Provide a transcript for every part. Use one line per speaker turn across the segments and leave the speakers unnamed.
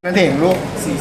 นั่นเองลูก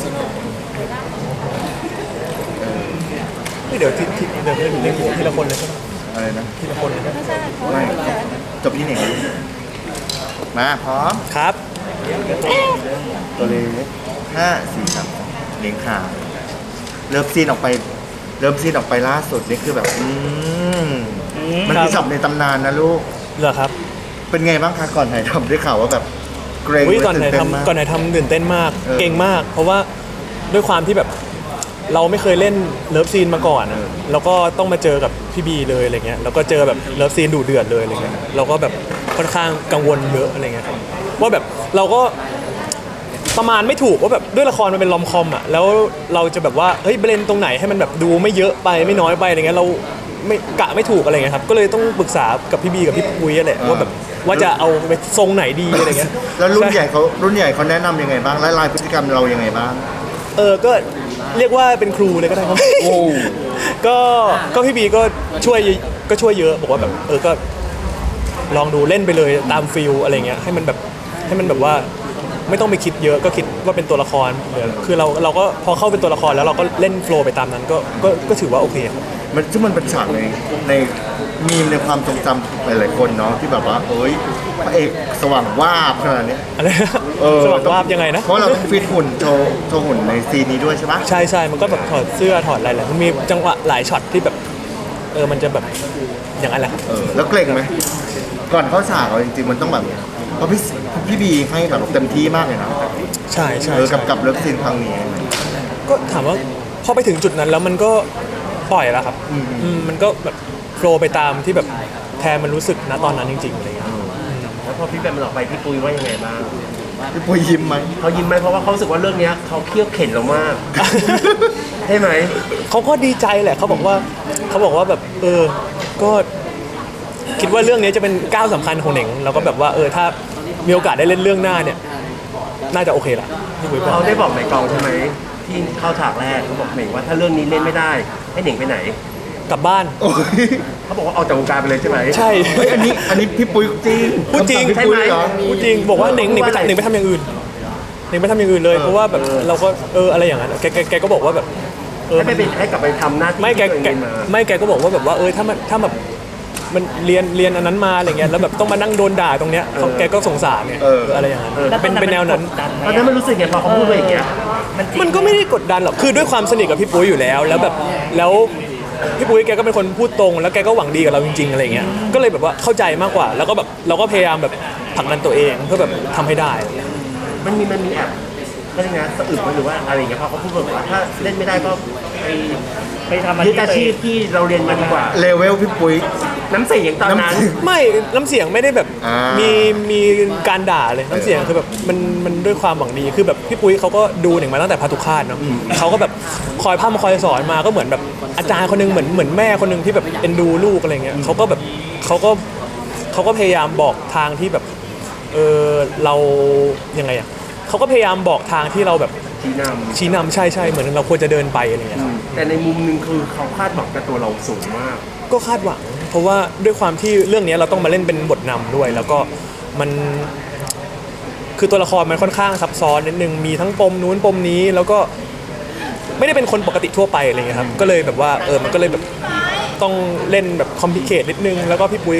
เดี๋ยวเดี๋ยวเล่นทีละคนเลยใช่ไหม
อะไรนะ
ทีละคนเลยนะ
ไม่จบที่ไหนมาพร้อม
ครับ
ตัวเล็กห้าสี่สามเลี้ยงขาเริ่มซีนออกไปล่าสุดนี่คือแบบมันคือสับในตำนานนะลูก
เหรอครับ
เป็นไงบ้างคะก่อนถ่ายทำได้ข่าวว่าแบบเกรง
ก่อนไหนทำตื่นเต้นมากเก่งมากเพราะว่าด้วยความที่แบบเราไม่เคยเล่นเลิฟซีนมาก่อนแล้วก็ต้องมาเจอกับพี่บีเลยอะไรเงี้ยแล้วก็เจอแบบเลิฟซีนดุเดือดเลยอะไรเงี้ยเราก็แบบค่อนข้างกังวลเยอะอะไรเงี้ยว่าแบบเราก็ประมาณไม่ถูกว่าแบบด้วยละครมันเป็นลอมคอมอ่ะแล้วเราจะแบบว่าเฮ้ยเบรนตรงไหนให้มันแบบดูไม่เยอะไปไม่น้อยไปอะไรเงี้ยเราไม่กะไม่ถูกอะไรเงี้ยครับก็เลยต้องปรึกษากับพี่บีกับพี่ปุ้ยแหละว่าแบบว่าจะเอาไปทรงไหนดีอะไรเงี้ย
แล้วรุ่นใหญ่เขาแนะนำยังไงบ้างและลายพฤติกรรมเรายังไงบ้าง
ก็เรียกว่าเป็นครูเลยก็ได้ครับก็พี่บีก็ช่วยเยอะบอกว่าแบบก็ลองดูเล่นไปเลยตามฟิลอะไรเงี้ยให้มันแบบว่าไม่ต้องไปคิดเยอะก็คิดว่าเป็นตัวละครคือเราก็พอเข้าเป็นตัวละครแล้วเราก็เล่นโฟล์ไปตามนั้นก็ถือว่าโอเคครับ
ซึ่งมันเป็นฉากในมีมในความทรงจำหลายๆคนเนาะที่แบบว่าเอ้ยพระเอกสว่างวาบขนาดนี้
อะไรสว่างวาบยังไงนะ
เพราะเราต้องฟิตหุ่นโชว์หุ่นในซีนนี้ด้วยใช่ไหม
ใช่มันก็แบบถอดเสื้อถอดอะไรแหละมันมีจังหวะหลายช็อตที่แบบมันจะแบบอย่างนั้นแหละ
แล้วเกรงไหมก่อนเข้าฉากเราจริงๆมันต้องแบบเพราะพี่บีให้แบบเต็มที่มากเลยนะ
ใช่
กับเลิฟซีนครั้งนี้
ก็ถามว่าพอไปถึงจุดนั้นแล้วมันก็ปล่อยแล้วครับมันก็แบบโฟลว์ไปตามที่แบบแทนมันรู้สึกนะตอนนั้นจริงๆอะไรเงี้ย
แล้วพอพี่แบมมันออกไปพี่ปุ้ยว่ายังไงบ้าง
พี่ปุ้ยยิ้มไหม
เขายิ้มไหมเพราะว่าเขารู้สึกว่าเรื่องนี้เขาเคี่ยวเข็นเรามากใช่ไหม
เขาก็ดีใจแหละเขาบอกว่าแบบก็คิดว่าเรื่องนี้จะเป็นก้าวสำคัญของเหน่งแล้วก็แบบว่าถ้ามีโอกาสได้เล่นเรื่องหน้าเนี่ยน่าจะโอเคละพี่ปุ้ย
เขาได้บอกในกองใช่ไหมที่เข้าฉากแรกเขาบอกเหน่งว่าถ้าเรื่องนี้เล่นไม่ได้ให้เหน่งไปไหน
กลับบ้าน
เขาบอกว่าออกจากวงการไปเลยใช่ไหม
ใช่
อันนี้พี่ปุ้ยจริง
พูดจริง
ใช่ไหม
พูดจริงบอกว่าเหน่งไปทำอย่างอื่นเหน่งไปทำอย่างอื่นเลยเพราะว่าแบบเราก็อะไรอย่างนั้นแกก็บอกว่าแบบ
ให้กลับไปทำหน้าที่
ไม่แกก็บอกว่าแบบว่าถ้าแบบมันเรียนอันนั้นมาอะไรเงี้ยแล้วแบบต้องมานั่งโดนด่าตรงเนี้ยแกก็สงสารเนี่ยอะไรอย่างนั้นเป็นแนวนั้น
ตอนนั้นมันรู้สึกไงพอเขาพูดไปอย่างเงี้ย
มันก็ไม่ได้กดดันหรอกคือด้วยความสนิทกับพี่ปุ้ยอยู่แล้วแบบแล้วพี่ปุ้ยแกก็เป็นคนพูดตรงแล้วแกก็หวังดีกับเราจริงๆอะไรเงี้ยก็เลยแบบว่าเข้าใจมากกว่าแล้วก็แบบเราก็พยายามแบบผลักดันตัวเองเพื่อแบบทำให้ได้
มันมีแอบก็ยังไงสะอึกหรือว่าอะไรอย่างเงี้ยพอเขาพูดแบบว่าถ้าเล่นไม่ได้ก็ไปทำอาชีพที่เราเรียนมาดีกว่า
เลเวลพี่ปุ้ย
น้ำเสียงตอนนั้น
ไม่น้ำเสียงไม่ได้แบบมีการด่าเลยน้ำเสียงคือแบบมันด้วยความหวังดีคือแบบพี่ปุ้ยเขาก็ดูหนึ่งมาตั้งแต่พาทุคาตเนาะเขาก็แบบคอยพร่ำคอยสอนมาก็เหมือนแบบอาจารย์คนนึงเหมือนแม่คนนึงที่แบบเอ็นดูลูกอะไรเงี้ยเขาก็พยายามบอกทางที่แบบเรายังไงอ่ะเขาก็พยายามบอกทางที่เราแบบชี้นำใช่เหมือนเราควรจะเดินไปอะไรเงี้ย
แต่ในมุมนึงคือเขาคาดหวังกับตัวเราสูงมาก
ก็คาดหวังเพราะว่าด้วยความที่เรื่องนี้เราต้องมาเล่นเป็นบทนำด้วยแล้วก็มันคือตัวละครมันค่อนข้างซับซ้อนนิดนึงมีทั้งปมนู้นปมนี้แล้วก็ไม่ได้เป็นคนปกติทั่วไปอะไรเงี้ยครับก็เลยแบบว่ามันก็เลยแบบต้องเล่นแบบคอมพลิเคทนิดนึงแล้วก็พี่ปุ้ย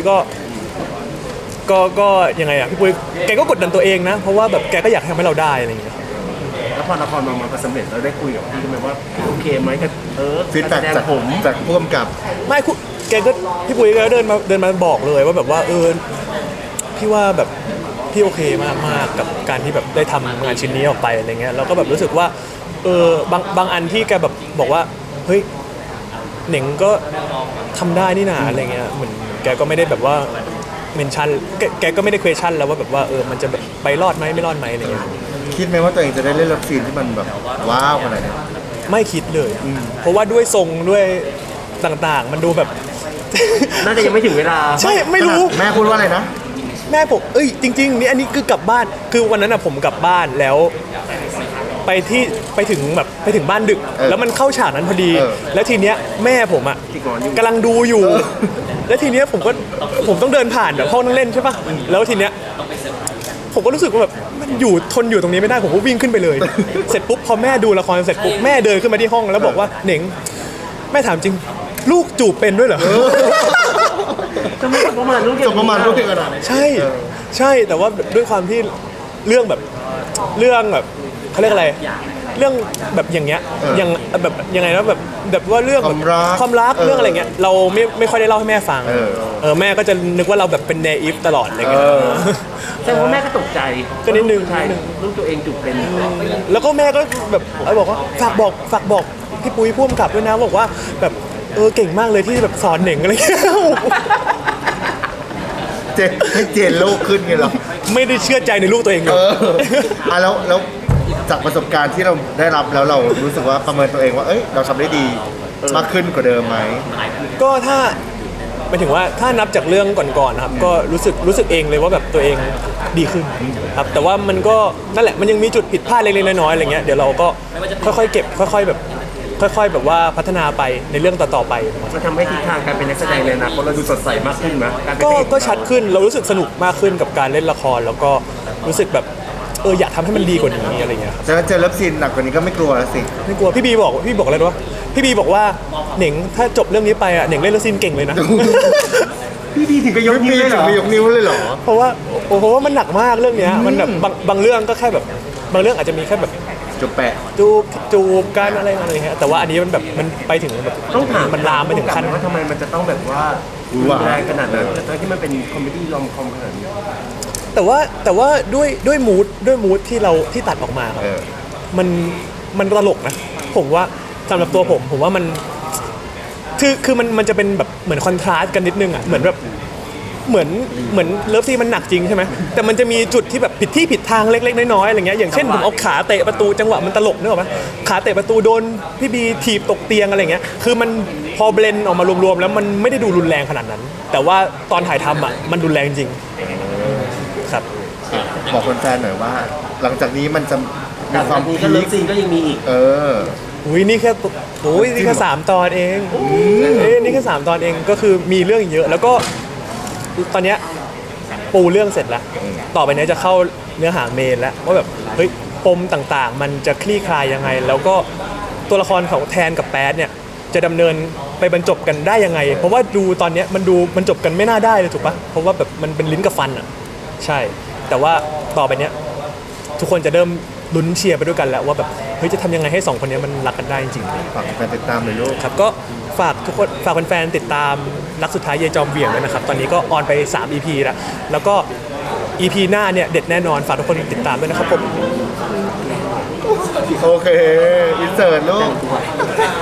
ก็ยังไงอ่ะพี่ปุ้ยแกก็กดดันตัวเองนะเพราะว่าแบบแกก็อยากทำให้เราได้อะไรเงี้ย
แล้วพอละครมันสำเร็จเราได้คุยกับพี่ไหมว่าโอเคไหมกับ
ฟีดแบ็กจากผู้กำกับ
ไม่แกก็พี่ปุ้ยก็เดินมาบอกเลยว่าแบบว่าพี่ว่าแบบพี่โอเคมากกับการที่แบบได้ทำงานชิ้นนี้ออกไปอะไรเงี้ยแล้วก็แบบรู้สึกว่าบางอันที่แกแบบบอกว่าเฮ้ยเหน่งก็ทำได้นี่นาอะไรเงี้ยเหมือนแกก็ไม่ได้แบบว่าเมนชั่นแกก็ไม่ได้ question แล้วว่าแบบว่ามันจะแบบไปรอดไหมไม่รอดไหมอะไรเงี้ย
คิดไหมว่าตัวเองจะได้เล่นเลิฟซีนที่มันแบบว้าวขนาดนี้
ไม่คิดเลยเพราะว่าด้วยทรงด้วยต่างๆมันดูแบบ
น่าจะยังไม่ถึงเวลา
ใช่ไม่รู้
แม่พูดว่าอะไรนะ
แม่ผมจริงๆนี่อันนี้คือกลับบ้านคือวันนั้นผมกลับบ้านแล้วไปถึงบ้านดึกแล้วมันเข้าฉากนั้นพอดีแล้วทีเนี้ยแม่ผมกำลังดูอยู่แล้วทีเนี้ยผมต้องเดินผ่านแบบห้องนั่งเล่นใช่ป่ะแล้วทีเนี้ยผมก็รู้สึกว่าแบบมันอยู่ทนอยู่ตรงนี้ไม่ได้ผมก็วิ่งขึ้นไปเลย เสร็จปุ๊บพอแม่ดูละครเสร็จปุ๊บแม่เดินขึ้นมาที่ห้องแล้วบอกว่าเหน่งแม่ถามจริงลูกจูบเป็นด้วยเหรอ
จะไม่ประมาณลูก
จบประมาณลูกเดียวกันอะ
ใช่ใช่แต่ว่าด้วยความที่เรื่องแบบเขาเรียกอะไร เรื่องแบบอย่างเงี้ยอย่างแบบยังไงนะแบบว่าเรื่องแบบความรักเรื่องอะไรเงี้ยเราไม่ค่อยได้เล่าให้แม่ฟังแม่ก็จะนึกว่าเราแบบเป็นเนอิฟตลอดอะไรเงี้ย
แต่ว่าแม่ก็ตกใจ
ก็นิดนึง
ใช่ลูกตัวเองจุกเป็น
แล้วก็แม่ก็แบบบอกว่าฝากบอกพี่ปุ้ยพ่วงกับด้วยนะบอกว่าแบบเก่งมากเลยที่แบบสอนเหน่งอะไรเงี้ย
เจนให้เจนโลกขึ้นไงเหรอ
ไม่ได้เชื่อใจในลูกตัวเองเลย
แล้วจากประสบการณ์ที่เราได้รับแล้วเรารู้สึกว่าประเมินตัวเองว่าเอ้ยเราทำได้ดีมากขึ้นกว่าเดิมไหม
ก็ถ้าหมายถึงว่าถ้านับจากเรื่องก่อนๆนะครับก็รู้สึกเองเลยว่าแบบตัวเองดีขึ้นครับแต่ว่ามันก็นั่นแหละมันยังมีจุดผิดพลาดเล็กๆน้อยๆอะไรเงี้ยเดี๋ยวเราก็ค่อยๆเก็บค่อยๆแบบว่าพัฒนาไปในเรื่องต่อๆไป
มันทำให้ทิศทางการเป็นนักแสดงเลยนะเพราะเราดูสดใสมากขึ้นนะการเป็นพระเอก
ก็ชัดขึ้นเรารู้สึกสนุกมากขึ้นกับการเล่นละครแล้วก็รู้สึกแบบอยากทำให้มันดีกว่านี้อะไรเงี้ยครับ
จะเจอเลิฟซีนหนักกว่านี้ก็ไม่กลัวแล้วสิ
ไม่กลัวพี่บีบอกอะไรรู้ปะพี่บีบอกว่าเหน่งถ้าจบเรื่องนี้ไปอ่ะเหน่งเล่นแล้วซีนเก่งเลยนะ
พี่ดีถึงกับยก
ไม่
นิ้ว
มี
เลยเหร
ถึ
อง
มียกนิ้วเลยเหรอ
เพราะว่ามันหนักมากเรื่องเนี้ยมันแบบบางเรื่องก็แค่แบบบางเรื่องอาจจะมีแค่แบบ
จุบแปะ
จูบกันอะไรเงี้ยแต่ว่าอันนี้มันแบบมันไปถึงแบบ
ต้องถาม
มันลามไปถึงขั้น
ว่าทำไมมันจะต้องแบบว่ารุนแรงขนาดนั้นทั้งที่มันเป็นคอมเมดี้รอมคอมขนาดนี้
แต่ว่าด้วยมูดที่ตัดออกมาครับ มันตลกนะผมว่าสำหรับตัวผมว่ามันคือมันจะเป็นแบบเหมือนคอนทราสต์กันนิดนึงอ่ะเหมือนแบบเหมือนเลิฟซีนมันหนักจริงใช่ไหมแต่มันจะมีจุดที่แบบผิดที่ผิดทางเล็กๆน้อยๆอะไรเงี้ยอย่างเช่นผมเอาขาเตะประตูจังหวะมันตลกนึกออกไหมขาเตะประตูโดนพี่บีถีบตกเตียงอะไรเงี้ยคือมันพอเบลนออกมารวมๆแล้วมันไม่ได้ดูรุนแรงขนาดนั้น แต่ว่าตอนถ่ายทำอ่ะมันรุนแรงจริงครับ
บอกคนแฟนหน่อยว่า หลังจากนี้มันจะมี
จาก
ความ
นี้
พี
ก็เลิฟ
ค
ซีนก็ยังมีอีก
อุ้ยนี่แค่3 ตอนเองนี่แค่3 ตอนเองก็คือมีเรื่องเยอะ แล้วก็ตอนเนี้ยปูเรื่องเสร็จแล้วต่อไปเนี้ยจะเข้าเนื้อหาเมนแล้วว่าแบบเฮ้ยปมต่างๆ มันจะคลี่คลายยังไง แล้วก็ตัวละครของแทนกับแป๊ดเนี่ยจะดำเนินไปบรรจบกันได้ยังไง เพราะว่าดูตอนเนี้ยมันดูบรรจบกันไม่น่าได้เลยถูกปะเพราะว่าแบบมันเป็นลิ้นกับฟันอ่ะใช่แต่ว่าต่อไปเนี้ยทุกคนจะเริ่มลุ้นเชียร์ไปด้วยกันแล้วว่าแบบเฮ้ยจะทำยังไงให้2 คนนี้มันรักกันได้จริงๆ
ฝากแฟนติดตามเลยลูก
ครับก็ฝากทุกคนฝากแฟนๆติดตามรักสุดท้ายเยจอมเหวี่ยงด้วยนะครับตอนนี้ก็ออนไป3 EP แล้วก็ EP หน้าเนี่ยเด็ดแน่นอนฝากทุกคนติดตามด้วยนะครับผม
โอเค อินเสิร์ตลูก